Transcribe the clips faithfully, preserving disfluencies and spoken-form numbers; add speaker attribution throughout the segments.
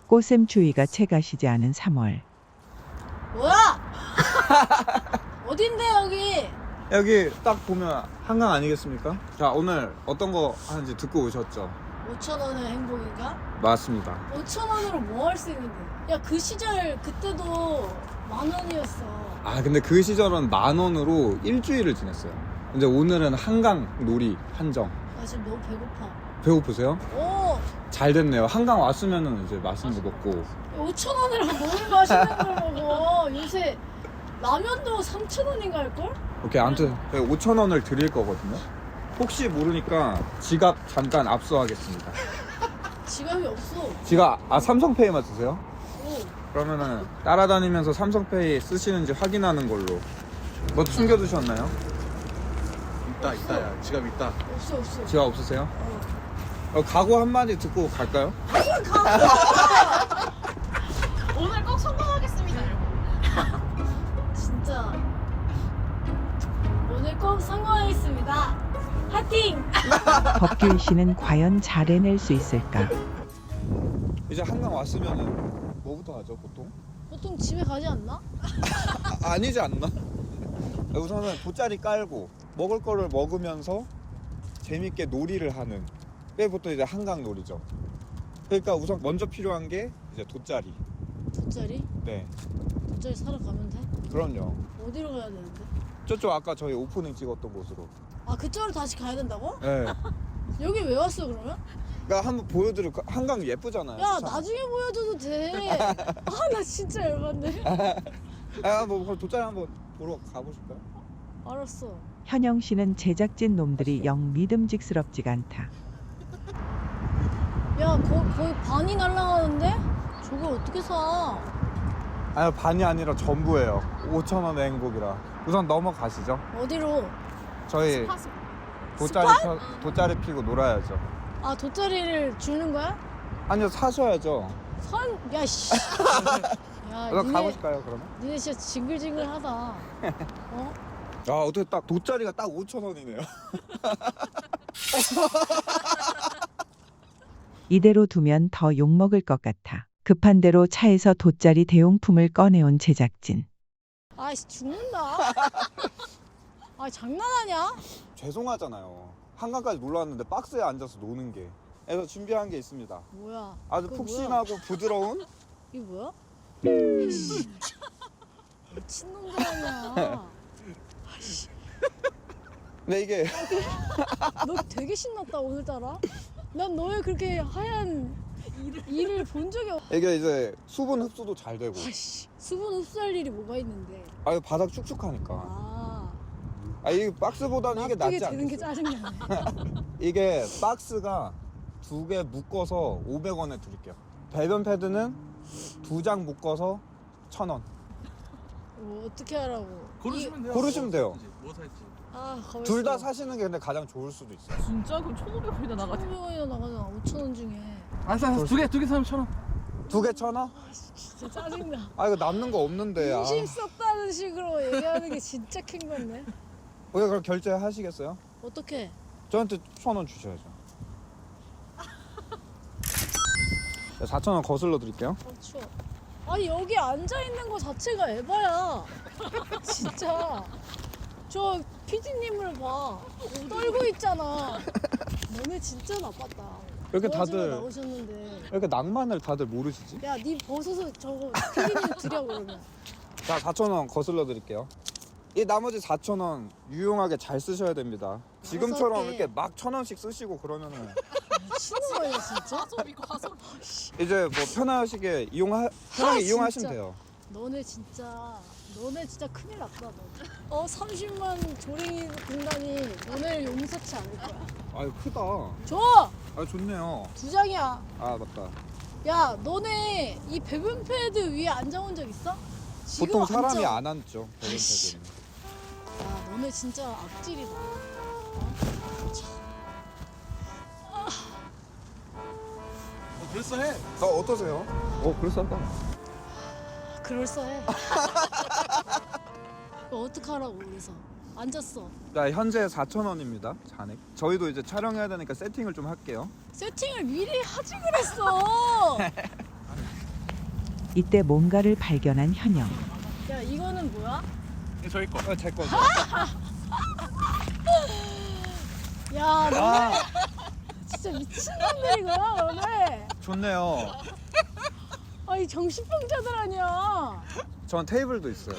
Speaker 1: 꽃샘 추위가 채가시지 않은 삼월.
Speaker 2: 뭐야? 어딘데 여기?
Speaker 3: 여기 딱 보면 한강 아니겠습니까? 자, 오늘 어떤 거 하는지 듣고 오셨죠?
Speaker 2: 오천 원의 행복인가?
Speaker 3: 맞습니다.
Speaker 2: 오천 원으로 뭐 할 수 있는데? 야, 그 시절 그때도 만 원이었어.
Speaker 3: 아, 근데 그 시절은 만 원으로 일주일을 지냈어요. 근데 오늘은 한강 놀이 한정.
Speaker 2: 나 지금 너무 배고파.
Speaker 3: 배고프세요?
Speaker 2: 오,
Speaker 3: 잘 됐네요. 한강 왔으면은 이제 맛있는 거 먹고.
Speaker 2: 오천 원이랑 뭘 맛있는 걸 먹어? 요새 라면도 삼천 원인가 할걸?
Speaker 3: 오케이, 아무튼 오천 원을 드릴 거거든요. 혹시 모르니까 지갑 잠깐 압수하겠습니다.
Speaker 2: 지갑이 없어.
Speaker 3: 지갑, 아, 삼성페이만 쓰세요?
Speaker 2: 오,
Speaker 3: 그러면은 따라다니면서 삼성페이 쓰시는지 확인하는 걸로. 뭐 숨겨두셨나요?
Speaker 4: 있다 있다 야 지갑 있다.
Speaker 2: 없어 없어.
Speaker 3: 지갑 없으세요?
Speaker 2: 어.
Speaker 3: 어, 각오 한마디 듣고 갈까요?
Speaker 5: 오늘 꼭 성공하겠습니다, 여러분.
Speaker 2: 진짜 오늘 꼭 성공하겠습니다. 파이팅!
Speaker 1: 법규일 씨는 과연 잘 해낼 수 있을까?
Speaker 3: 이제 한강 왔으면은 뭐부터 하죠, 보통?
Speaker 2: 보통 집에 가지 않나?
Speaker 3: 아, 아니지 않나? 우선은 돗자리 깔고 먹을 거를 먹으면서 재밌게 놀이를 하는 게 보통 이제 한강 놀이죠. 그러니까 우선 먼저 필요한 게 이제 돗자리.
Speaker 2: 돗자리?
Speaker 3: 네,
Speaker 2: 돗자리 사러 가면 돼?
Speaker 3: 그럼요.
Speaker 2: 어디로 가야 되는데?
Speaker 3: 저쪽 아까 저희 오프닝 찍었던 곳으로.
Speaker 2: 아, 그쪽으로 다시 가야 된다고?
Speaker 3: 네.
Speaker 2: 여기 왜 왔어 그러면?
Speaker 3: 그러니까 한번 보여드릴 거. 한강 예쁘잖아요.
Speaker 2: 야,
Speaker 3: 수상.
Speaker 2: 나중에 보여줘도 돼. 아, 나 진짜 열받네.
Speaker 3: 아, 뭐 그럼 돗자리 한번 보러 가보실까요?
Speaker 2: 알았어.
Speaker 1: 현영 씨는 제작진 놈들이 영 믿음직스럽지가 않다.
Speaker 2: 야, 거, 거의 반이 날라가는데? 저걸 어떻게 사?
Speaker 3: 아니요, 반이 아니라 전부예요. 오천 원의 행복이라. 우선 넘어가시죠.
Speaker 2: 어디로?
Speaker 3: 저희
Speaker 5: 스파스.
Speaker 3: 돗자리 펴, 돗자리 피고 놀아야죠.
Speaker 2: 아, 돗자리를 주는 거야?
Speaker 3: 아니요, 사셔야죠.
Speaker 2: 선, 야, 씨. 야,
Speaker 3: 그럼
Speaker 2: 니네,
Speaker 3: 가보실까요, 그러면?
Speaker 2: 니네 진짜 징글징글하다. 어?
Speaker 3: 아, 어떻게 딱 돗자리가 딱 오천 원이네요.
Speaker 1: 이대로 두면 더 욕먹을 것 같아. 급한 대로 차에서 돗자리 대용품을 꺼내온 제작진.
Speaker 2: 아이씨, 죽는다. 아, 장난하냐?
Speaker 3: 죄송하잖아요. 한강까지 놀러 왔는데 박스에 앉아서 노는 게. 그래서 준비한 게 있습니다.
Speaker 2: 뭐야?
Speaker 3: 아주
Speaker 2: 그거
Speaker 3: 푹신하고 부드러운.
Speaker 2: 이게 뭐야? 씨. 미친놈들 아니야.
Speaker 3: 근데 이게
Speaker 2: 너 되게 신났다 오늘따라. 난 너의 그렇게 하얀 이를 본 적이 없.
Speaker 3: 이게 이제 수분 흡수도 잘 되고.
Speaker 2: 아씨, 수분 흡수할 일이 뭐가 있는데.
Speaker 3: 아, 이거 바닥 축축하니까.
Speaker 2: 아,
Speaker 3: 아, 이 박스보다는 이게
Speaker 2: 납득이
Speaker 3: 낫지
Speaker 2: 되는 게
Speaker 3: 않겠어요?
Speaker 2: 짜증나네.
Speaker 3: 이게 박스가 두 개 묶어서 오백 원에 드릴게요. 배변 패드는 두 장 묶어서 천 원.
Speaker 2: 뭐 어떻게 하라고?
Speaker 4: 고르시면 돼요.
Speaker 3: 고르시면 돼요.
Speaker 4: 뭐 살지.
Speaker 2: 아,
Speaker 3: 둘 다 사시는 게 근데 가장 좋을 수도 있어요.
Speaker 5: 진짜? 그럼 천오백 원이나 나가지.
Speaker 2: 천오백 원이나 나가잖아. 오천 원 중에.
Speaker 4: 알았어 알았어 두 개 두 개 사면 천 원.
Speaker 3: 두 개 천 원?
Speaker 2: 진짜 짜증나.
Speaker 3: 아, 이거 남는 거 없는데. 아.
Speaker 2: 인심 썼다는 식으로 얘기하는 게 진짜 큰 건데.
Speaker 3: 오케이, 그럼 결제하시겠어요?
Speaker 2: 어떻게?
Speaker 3: 저한테 천 원 주셔야죠. 사천 원 거슬러 드릴게요.
Speaker 2: 어, 추워. 아니, 여기 앉아 있는 거 자체가 에바야. 진짜. 저 피디님을 봐. 떨고 있잖아. 너네 진짜 나빴다.
Speaker 3: 이렇게
Speaker 2: 도와주러
Speaker 3: 다들
Speaker 2: 나오셨는데.
Speaker 3: 이렇게 낭만을 다들 모르시지?
Speaker 2: 야, 네 벗어서 저거 피디님 드려 그러면.
Speaker 3: 자, 사천 원 거슬러 드릴게요. 이 나머지 사천 원 유용하게 잘 쓰셔야 됩니다. 지금처럼
Speaker 2: 할게.
Speaker 3: 이렇게 막 천 원씩 쓰시고 그러면은
Speaker 2: 미친놈이야 진짜.
Speaker 5: 가소비 가소비.
Speaker 3: 이제 뭐 편하시게 이용하 편하게
Speaker 2: 아,
Speaker 3: 이용하시면
Speaker 2: 진짜.
Speaker 3: 돼요.
Speaker 2: 너네 진짜 너네 진짜 큰일 났다 너. 어 삼십만 조랭이 군단이 너네를 용서치 않을 거야.
Speaker 3: 아유, 크다.
Speaker 2: 줘!
Speaker 3: 아, 좋네요.
Speaker 2: 두 장이야.
Speaker 3: 아, 맞다.
Speaker 2: 야, 너네 이 배변 패드 위에 앉아본 적 있어? 지금
Speaker 3: 보통 사람이
Speaker 2: 앉아.
Speaker 3: 안 앉죠. 배변
Speaker 2: 아이씨.
Speaker 3: 패드는.
Speaker 2: 야, 너네 진짜 악질이다. 어? 참.
Speaker 4: 어 그랬어해.
Speaker 3: 어, 어떠세요? 어, 그럴싸하다.
Speaker 2: 그럴싸해. 이거 어떡하라고 그래서 앉았어.
Speaker 3: 자, 현재 사천 원입니다. 잔액. 저희도 이제 촬영해야 되니까 세팅을 좀 할게요.
Speaker 2: 세팅을 미리 하지 그랬어.
Speaker 1: 이때 뭔가를 발견한 현영.
Speaker 2: 야 이거는 뭐야?
Speaker 4: 이거 저희 거.
Speaker 3: 어, 제 거죠.
Speaker 2: 야 너네
Speaker 3: 아,
Speaker 2: 진짜 미친놈들이구나 너네.
Speaker 3: 좋네요.
Speaker 2: 아이 정신병자들 아니야.
Speaker 3: 전 테이블도 있어요.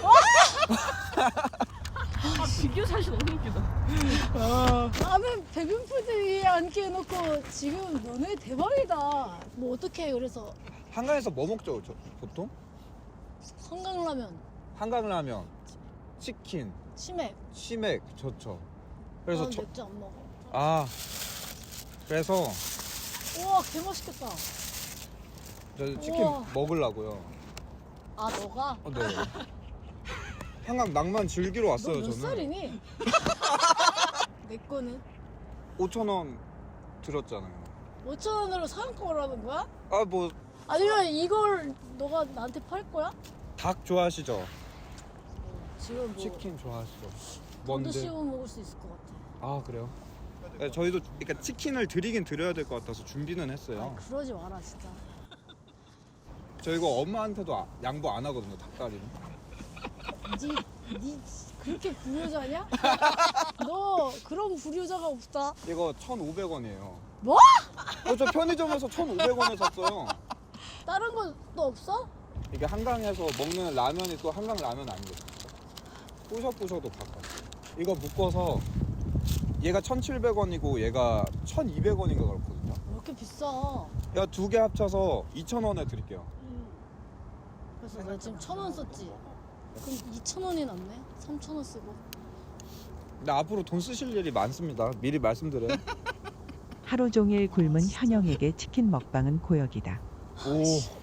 Speaker 5: 아 비교 사실 너무 웃기다.
Speaker 2: 나는 배변푸드 위에 앉게 해놓고 지금 너네 대박이다. 뭐 어떻게 해 그래서
Speaker 3: 한강에서 뭐 먹죠, 저, 보통?
Speaker 2: 한강라면,
Speaker 3: 한강라면, 치킨,
Speaker 2: 치맥.
Speaker 3: 치맥 좋죠. 그래서
Speaker 2: 난
Speaker 3: 저,
Speaker 2: 맥주 안 먹어.
Speaker 3: 아 그래서
Speaker 2: 우와 개 맛있겠다.
Speaker 3: 저 치킨
Speaker 2: 우와.
Speaker 3: 먹으려고요.
Speaker 2: 아 너가?
Speaker 3: 어, 네. 한강 낭만 즐기러 왔어요.
Speaker 2: 너 몇
Speaker 3: 저는.
Speaker 2: 살이니? 내 거는
Speaker 3: 오천 원 들었잖아요.
Speaker 2: 오천 원으로 사은품을 하는 거야?
Speaker 3: 아 뭐 닭
Speaker 2: 아니면 이걸 너가 나한테 팔 거야?
Speaker 3: 좋아하시죠?
Speaker 2: 지금 뭐
Speaker 3: 치킨 좋아하시죠?
Speaker 2: 돈도
Speaker 3: 뭔데?
Speaker 2: 씌워 먹을 수 있을 것 같아.
Speaker 3: 아 그래요? 네, 저희도 그러니까 치킨을 드리긴 드려야 될 것 같아서 준비는 했어요.
Speaker 2: 아, 그러지 마라 진짜.
Speaker 3: 저 이거 엄마한테도 아- 양보 안 하거든요. 닭다리는.
Speaker 2: 니, 니 그렇게 불효자냐? 너 그런 불효자가 없다.
Speaker 3: 이거 천오백 원이에요.
Speaker 2: 뭐?
Speaker 3: 어, 저 편의점에서 천오백 원에 샀어요.
Speaker 2: 다른 건 또 없어?
Speaker 3: 이게 한강에서 먹는 라면이 또 한강 라면 아니거든요. 부셔부셔도 바꿔. 이거 묶어서 얘가 천칠백 원이고 얘가 천이백 원인가 그렇거든요.
Speaker 2: 왜 이렇게 비싸?
Speaker 3: 야, 두 개 합쳐서 이천 원에 드릴게요.
Speaker 2: 그래서 나 지금 천 원 썼지. 그럼 이천 원이 남네? 삼천 원 쓰고.
Speaker 3: 근데 앞으로 돈 쓰실 일이 많습니다. 미리 말씀드려요.
Speaker 1: 하루 종일 굶은 현영에게 치킨 먹방은 고역이다.
Speaker 3: 오.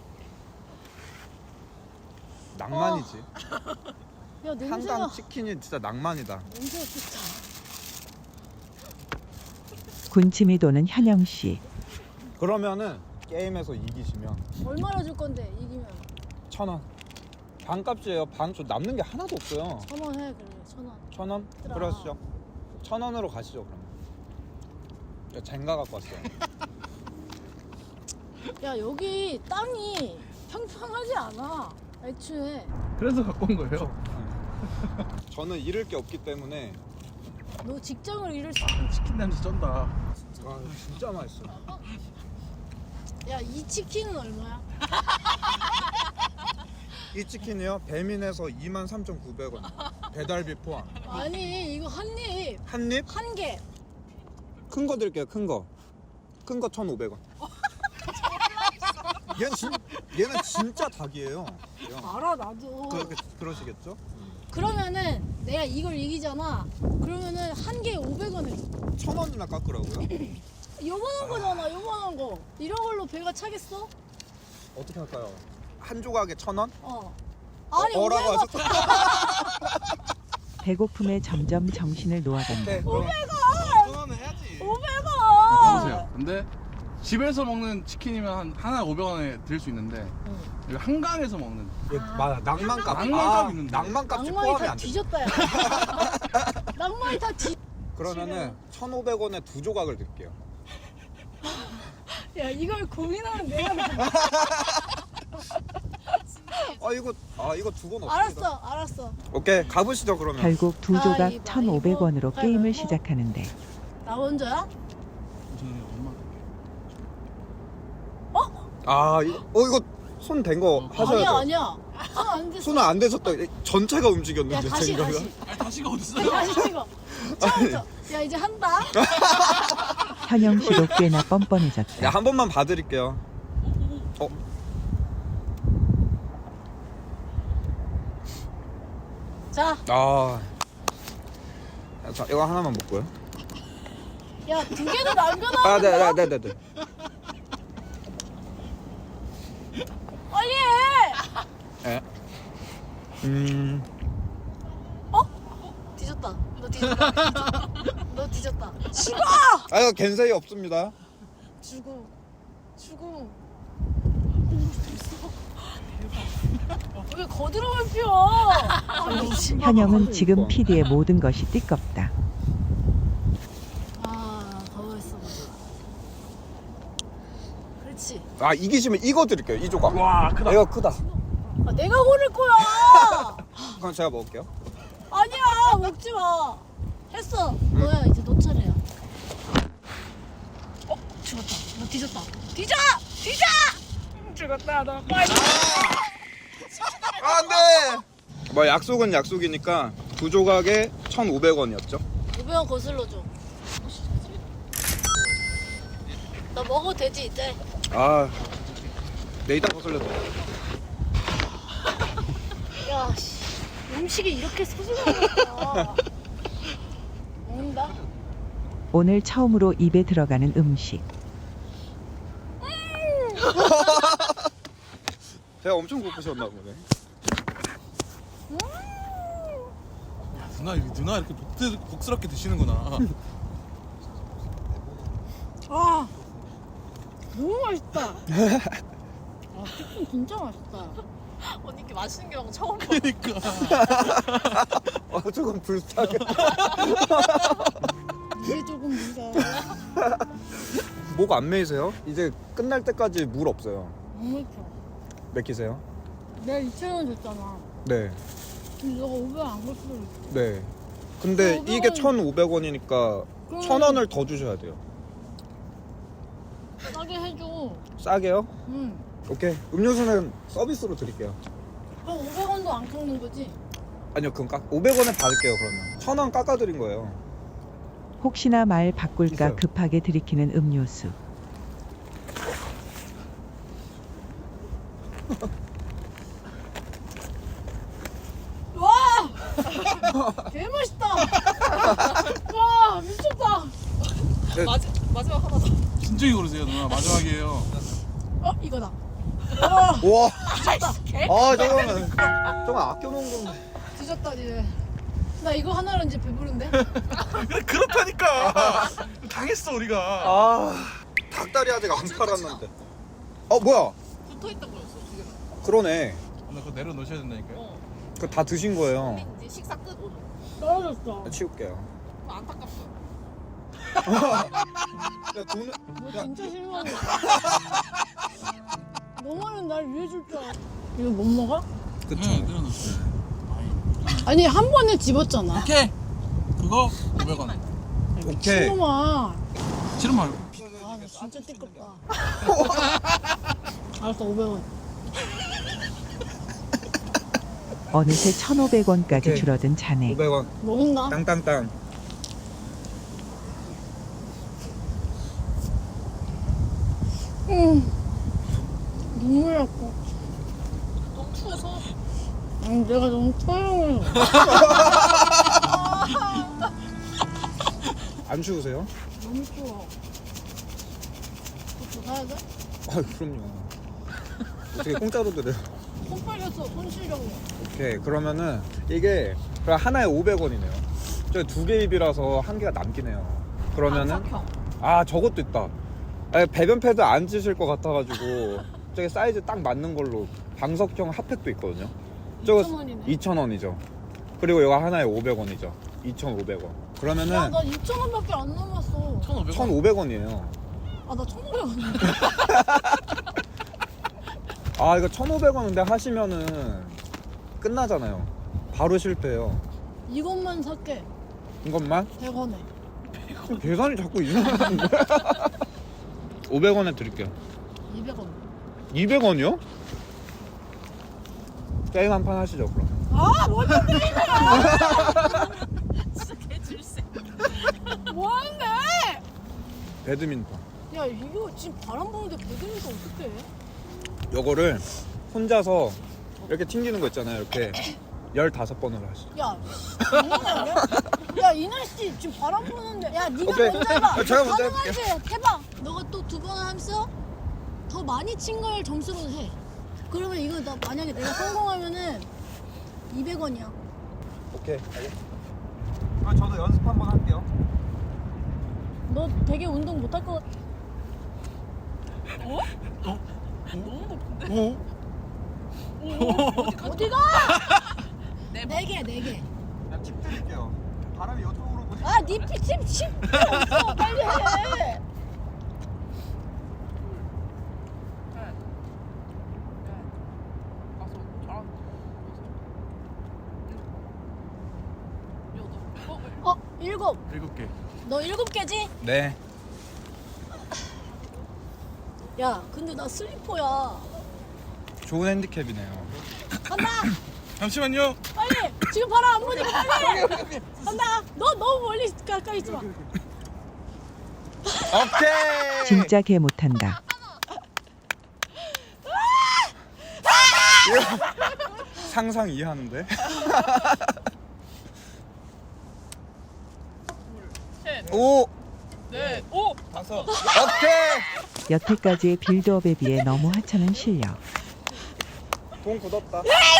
Speaker 3: 낭만이지.
Speaker 2: 야 냄새가
Speaker 3: 한강 치킨이 진짜 낭만이다.
Speaker 2: 냄새가 좋다.
Speaker 1: 군침이 도는 현영 씨.
Speaker 3: 그러면은 게임에서 이기시면
Speaker 2: 얼마나 줄 건데 이기면?
Speaker 3: 천 원. 반값이에요. 반. 저 남는 게 하나도 없어요.
Speaker 2: 천 원 해 그래 천 원.
Speaker 3: 천 원?
Speaker 2: 얘들아.
Speaker 3: 그러시죠. 천 원으로 가시죠 그러면. 저 젠가 갖고 왔어요.
Speaker 2: 야 여기 땅이 평평하지 않아. 애초에
Speaker 4: 그래서 갖고 온 거예요.
Speaker 3: 저는 잃을 게 없기 때문에.
Speaker 2: 너 직장을 잃을 수.
Speaker 4: 치킨 냄새 쩐다.
Speaker 3: 와 진짜 맛있어.
Speaker 2: 야이 치킨은 얼마야?
Speaker 3: 이 치킨이요? 배민에서 이만 삼천구백 원. 배달비 포함.
Speaker 2: 아니 이거 한 입.
Speaker 3: 한 입?
Speaker 2: 한 개.
Speaker 3: 큰 거 드릴게요. 큰 거. 큰 거 천오백 원. 얘는, 진, 얘는 진짜 닭이에요.
Speaker 2: 알아 나도.
Speaker 3: 그렇게 그러시겠죠?
Speaker 2: 그러면은 내가 이걸 이기잖아. 그러면은 한 개에 오백 원 해.
Speaker 3: 천 원이나 깎으라고요?
Speaker 2: 요만한 거잖아 요만한 거. 이런 걸로 배가 차겠어?
Speaker 3: 어떻게 할까요? 한 조각에 천 원?
Speaker 2: 어. 아니
Speaker 3: 어, 어라고
Speaker 2: 오백 원.
Speaker 3: 하셨어?
Speaker 1: 배고픔에 점점 정신을 놓아간다.
Speaker 3: 네, 그럼
Speaker 4: 천원은 해야지.
Speaker 2: 오백
Speaker 4: 보세요.
Speaker 2: 원.
Speaker 4: 근데 집에서 먹는 치킨이면 한 하나 오백 원에 들 수 있는데 여기 한강에서 먹는
Speaker 3: 예, 맞아. 낭만값.
Speaker 4: 낭만값 있는데.
Speaker 3: 낭만값이
Speaker 2: 낭만이
Speaker 3: 포함이
Speaker 2: 다
Speaker 3: 안 돼.
Speaker 2: 뒤졌다 야. 낭만이 다 뒤.
Speaker 3: 그러면은 천오백 원에 두 조각을 드릴게요.
Speaker 2: 야 이걸 고민하는 내가 나.
Speaker 3: 아 이거 아 이거 두 번 없습니다.
Speaker 2: 알았어 알았어.
Speaker 3: 오케이 가보시죠 그러면.
Speaker 1: 결국 두 조각
Speaker 2: 가위바위보.
Speaker 1: 천오백 원으로 게임을
Speaker 2: 가위바위보.
Speaker 1: 시작하는데
Speaker 2: 나 먼저야?
Speaker 4: 저는 엄마
Speaker 3: 아 이거 어 이거 손 댄 거 하셔야죠.
Speaker 2: 아니야 아니야. 손안 됐어.
Speaker 3: 손은 안 대셨다. 전체가
Speaker 2: 야
Speaker 3: 움직였는데
Speaker 2: 다시
Speaker 3: 젠가가.
Speaker 2: 다시.
Speaker 4: 아니 다시가 어딨어요?
Speaker 2: 다시 이거. 처음부터. 야 이제 한다.
Speaker 1: 현영 씨도 꽤나 뻔뻔해졌다.
Speaker 3: 야, 한 번만 봐드릴게요. 어?
Speaker 2: 자,
Speaker 3: 아. 자, 이거 하나만 먹고요.
Speaker 2: 야 두 개도 남겨놔.
Speaker 3: 아, 네, 네, 네, 네, 네.
Speaker 2: 빨리 해.
Speaker 3: 예. 음.
Speaker 2: 뒤졌다. 너 뒤졌다. 뒤졌다. 너 뒤졌다. 죽어.
Speaker 3: 아, 이거 겐세이 없습니다.
Speaker 2: 죽어. 죽어. 왜 거드름을 피워? 아, 미친.
Speaker 1: 현영은 지금 피디의 모든 것이 띠껍다.
Speaker 2: 아, 가만 있어. 그렇지.
Speaker 3: 아, 이기시면 이거 드릴게요. 이 조각.
Speaker 4: 와 크다.
Speaker 3: 이거 크다.
Speaker 2: 아, 내가 고를 거야.
Speaker 3: 그럼 제가 먹을게요.
Speaker 2: 아니야, 먹지 마. 했어. 너야, 이제 너 차례야. 어, 죽었다. 너 뒤졌다. 뒤져! 뒤져! 죽었다, 너 빨리.
Speaker 3: 안돼. 뭐 약속은 약속이니까 두 조각에 천오백 원이었죠.
Speaker 2: 오백 원 거슬러 줘. 나 먹어도 되지, 이제?
Speaker 3: 아, 내 이따 거슬려도.
Speaker 2: 야, 씨. 음식이 이렇게 소중하구나. 먹는다.
Speaker 1: 오늘 처음으로 입에 들어가는 음식.
Speaker 3: 제가 엄청 고프셨나 보네.
Speaker 4: 누나 누나 이렇게 복스, 복스럽게 드시는구나.
Speaker 2: 아, 너무 맛있다. 아, 치킨 진짜 맛있다.
Speaker 5: 언니 이렇게 맛있는 게 너무 처음 봐.
Speaker 4: 그러니까.
Speaker 3: 아, 조금 불쌍해.
Speaker 2: 이게 조금 무서워.
Speaker 3: 목 안 메이세요? 이제 끝날 때까지 물 없어요.
Speaker 2: 너무 좋아.
Speaker 3: 맥히세요?
Speaker 2: 내가 이천 원 줬잖아.
Speaker 3: 네.
Speaker 2: 근데 너가 오백 원 안 줬어.
Speaker 3: 네. 근데
Speaker 2: 오백 원.
Speaker 3: 이게 천오백 원이니까 천 원을 더 주셔야 돼요.
Speaker 2: 싸게 해줘.
Speaker 3: 싸게요?
Speaker 2: 응.
Speaker 3: 오케이. 음료수는 서비스로 드릴게요.
Speaker 2: 그럼 오백 원도 안 깎는 거지?
Speaker 3: 아니요, 그럼 깎 오백 원에 받을게요, 그러면. 천 원 깎아드린 거예요.
Speaker 1: 혹시나 말 바꿀까
Speaker 3: 있어요.
Speaker 1: 급하게 들이키는 음료수.
Speaker 2: 와! 개 맛있다. 와, 미쳤다.
Speaker 5: 마지, 마지막 하나 더.
Speaker 4: 진정이 고르세요 누나. 마지막이에요.
Speaker 2: 어, 이거다. 와,
Speaker 3: 우와.
Speaker 5: 개?
Speaker 3: 아, 잠깐만. 잠깐 아껴놓은 건데.
Speaker 2: 뒤졌다 이제. 나 이거 하나로 이제 배부른데?
Speaker 4: 그래 그렇다니까. 당했어 우리가.
Speaker 3: 아, 닭다리 아직 안 팔았는데. 어, 뭐야?
Speaker 5: 붙어 있던 거였어 지금.
Speaker 3: 그러네.
Speaker 4: 나 그거 내려놓으셔야 된다니까요.
Speaker 5: 어.
Speaker 3: 그거 다 드신 거예요.
Speaker 5: 근데 이제 식사 끝 오늘.
Speaker 2: 떨어졌어.
Speaker 3: 치울게요.
Speaker 5: 안타깝어.
Speaker 3: 야, 돈을.
Speaker 2: 너 진짜 실망해. 너만은 날 위해 줄 줄 알아. 이거 못 먹어?
Speaker 3: 그쵸.
Speaker 4: 네, 내려놓으세요.
Speaker 2: 아니 한 번에 집었잖아.
Speaker 4: 오케이. 그거 오백 원.
Speaker 3: 오케이.
Speaker 2: 신놈아.
Speaker 4: 싫은 말고.
Speaker 2: 아, 나 진짜 띠껍다. 알았어, 오백 원.
Speaker 1: 어느새 천오백 원까지
Speaker 3: 오케이.
Speaker 1: 줄어든 잔액.
Speaker 3: 오백 원.
Speaker 2: 먹는다.
Speaker 3: 땅땅땅.
Speaker 2: 음. 눈물 났고.
Speaker 5: 너무 추워서.
Speaker 2: 아니, 내가 너무 촬영해서.
Speaker 3: 안 추우세요?
Speaker 2: 너무 추워. 그거 사야 돼?
Speaker 3: 아, 그럼요. 어떻게 공짜로 드려요?
Speaker 2: 손 빨렸어, 손 쉬려고.
Speaker 3: 오케이. 그러면은 이게 그럼 하나에 오백 원이네요. 저기 두 개 입이라서 한 개가 남기네요. 그러면은
Speaker 5: 안석형.
Speaker 3: 아, 저것도 있다. 아, 배변 패드 안 찌실 것 같아가지고 저기 사이즈 딱 맞는 걸로 방석형 핫팩도 있거든요. 저거
Speaker 2: 이천 원이네.
Speaker 3: 이천 원이죠. 그리고 이거 하나에 오백 원이죠. 이천오백 원.
Speaker 2: 야,
Speaker 3: 그러면은
Speaker 2: 나 이천 원밖에 안 남았어.
Speaker 4: 천오백 원.
Speaker 3: 천오백 원이에요.
Speaker 2: 아, 나 천오백 원인데.
Speaker 3: 아, 이거 천오백 원인데 하시면은 끝나잖아요. 바로 실패해요.
Speaker 2: 이것만 살게.
Speaker 3: 이것만?
Speaker 2: 백 원에.
Speaker 3: 계산이 자꾸 이상한데. 오백 원에 드릴게요.
Speaker 2: 이백 원.
Speaker 3: 이백 원이요? 게임 한 판 하시죠, 그럼.
Speaker 2: 아, 뭔데
Speaker 5: 진짜 개줄세.
Speaker 2: 뭐하는데?
Speaker 3: 배드민턴.
Speaker 2: 야, 이거 지금 바람 부는데 배드민턴 어떡해?
Speaker 3: 요거를 혼자서 이렇게 튕기는 거 있잖아요. 이렇게 열다섯 번으로 하시죠.
Speaker 2: 야, 장난 아니야? 야, 이 날씨 지금 바람 부는데. 야, 네가
Speaker 3: 오케이.
Speaker 2: 먼저 해봐.
Speaker 3: 아, 제가 먼저
Speaker 2: 가능하지? 해봐. 너가 또 두 번 하면서 더 많이 친 걸 점수로 해. 그러면 이거 나 만약에 내가 성공하면은 이백 원이야.
Speaker 3: 오케이. 그럼 저도 연습 한번 할게요.
Speaker 2: 너 되게 운동 못할 것 같아.
Speaker 4: 어?
Speaker 5: 너무 높은데?
Speaker 4: 어?
Speaker 2: 어디가?
Speaker 5: 네
Speaker 2: 네 개, 네 개.
Speaker 3: 팁 드릴게요. 바람이 이쪽으로 보시.
Speaker 2: 아, 니 피침 십 없어. 빨리 해.
Speaker 5: 가서
Speaker 2: 일곱.
Speaker 4: 일곱 개.
Speaker 2: 너 일곱 개지?
Speaker 3: 네.
Speaker 2: 야, 근데 나 슬리퍼야.
Speaker 3: 좋은 핸디캡이네요.
Speaker 2: 간다.
Speaker 4: 잠시만요.
Speaker 2: 빨리. 지금 바로 안 보니까 빨리. 간다. 너 너무 멀리 가까이 있지 마.
Speaker 3: 오케이.
Speaker 1: 진짜 개 못한다.
Speaker 3: 상상 이해하는데.
Speaker 5: 셋,
Speaker 3: 오.
Speaker 5: 넷, 오.
Speaker 3: 다섯. 오케이.
Speaker 1: 여태까지의 빌드업에 비해 너무 하찮은 실력.
Speaker 3: 돈 굳었다.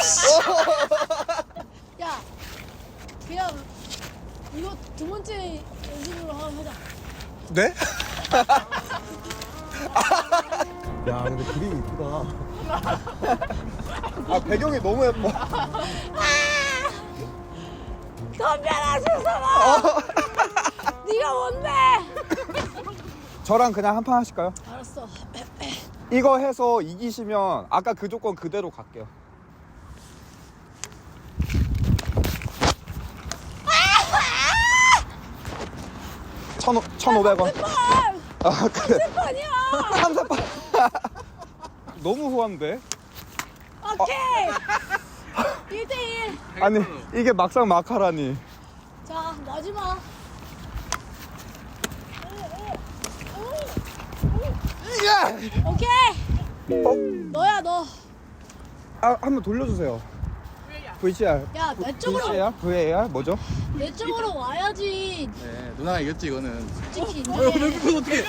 Speaker 2: 야, 그냥 이거 두 번째 연습으로 하- 하자.
Speaker 3: 네? 야 근데 그림이 이쁘다. 아 배경이 너무 예뻐.
Speaker 2: 덤벼라 세상아. 네가 뭔데?
Speaker 3: 저랑 그냥 한 판 하실까요?
Speaker 2: 알았어.
Speaker 3: 이거 해서 이기시면 아까 그 조건 그대로 갈게요. 천, 천오백 원. 아, 그래.
Speaker 2: 아니야.
Speaker 3: 삼세판. 너무 후한데?
Speaker 2: 오케이. 일 대 일.
Speaker 3: 아니, 이게 막상 막하라니.
Speaker 2: 자, 마지막.
Speaker 3: 야!
Speaker 2: 오케이.
Speaker 3: 어?
Speaker 2: 너야 너.
Speaker 3: 아, 한번 돌려주세요. 브이씨알.
Speaker 2: 야, 내 쪽으로
Speaker 3: 브이씨알? 브이에이알? 뭐죠?
Speaker 2: 내 쪽으로 와야지.
Speaker 4: 네, 누나가 이겼지 이거는.
Speaker 2: 솔직히
Speaker 4: 어, 야,
Speaker 2: 인정해.
Speaker 4: 벨크는 어떻게?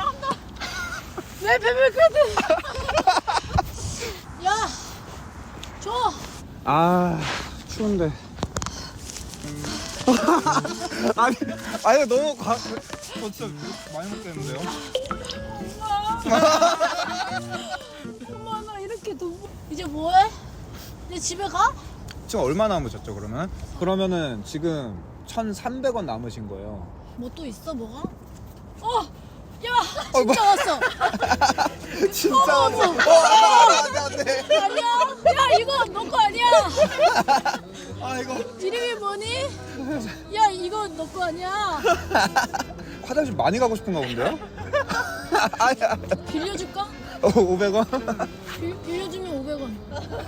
Speaker 2: 왜 베베크드? 야, 줘.
Speaker 3: 아, 추운데. 아니, 아니 너무 과. 저 진짜 많이 먹겠는데요?
Speaker 2: 엄마 나 이렇게 돈 벌- 이제 뭐해? 이제 집에 가?
Speaker 3: 지금 얼마 남으셨죠 그러면? 그러면은 지금 천삼백 원 남으신 거예요.
Speaker 2: 뭐 또 있어 뭐가? 어, 야,
Speaker 3: 어, 뭐-
Speaker 2: 진짜 왔어.
Speaker 3: 진짜
Speaker 2: 어,
Speaker 3: 왔어.
Speaker 2: 어.
Speaker 3: 와, 안돼 안돼.
Speaker 2: 아니야? 야, 이거 너 거 아니야?
Speaker 3: 아 이거
Speaker 2: 이름이 뭐니? 야, 이거 너 거 아니야?
Speaker 3: 화장실 많이 가고 싶은가 본데요? 아야.
Speaker 2: 빌려줄까?
Speaker 3: 어, 오백 원?
Speaker 2: 빌, 빌려주면 오백 원.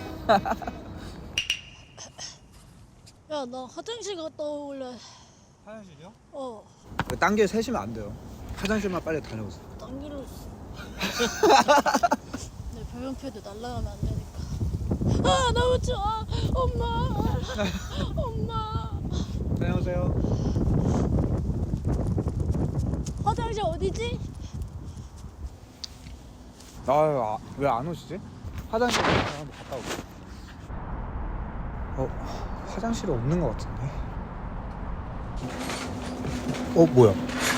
Speaker 2: 야, 나 화장실 갔다 올래.
Speaker 3: 화장실이요?
Speaker 2: 어,
Speaker 3: 딴 길 세시면 안 돼요. 화장실만 빨리 다녀오세요.
Speaker 2: 당기로 있어. 내 별명패도 날라가면 안 되니까. 아, 너무 좋아. 엄마. 엄마.
Speaker 3: 다녀오세요.
Speaker 2: 화장실 어디지?
Speaker 3: 아, 왜 안 오시지? 화장실 한번 갔다 올게요. 어, 화장실이 없는 것 같은데. 어, 뭐야?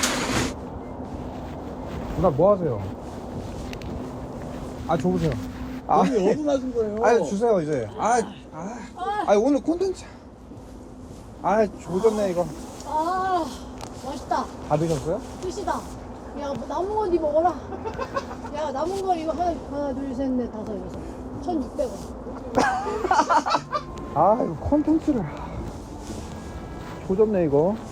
Speaker 3: 누나 뭐 하세요? 아, 줘보세요. 아,
Speaker 4: 어디 나신 거예요?
Speaker 3: 아, 주세요 이제. 아, 아, 아, 오늘 콘텐츠. 아, 조졌네 이거.
Speaker 2: 아, 맛있다.
Speaker 3: 다 드셨어요?
Speaker 2: 끝이다. 야, 뭐 남은 거 니 먹어라. 야, 남은 거 이거 하나, 하나, 둘, 셋, 넷, 다섯, 여섯. 천육백 원.
Speaker 3: 아, 이거 콘텐츠를. 조졌네 이거.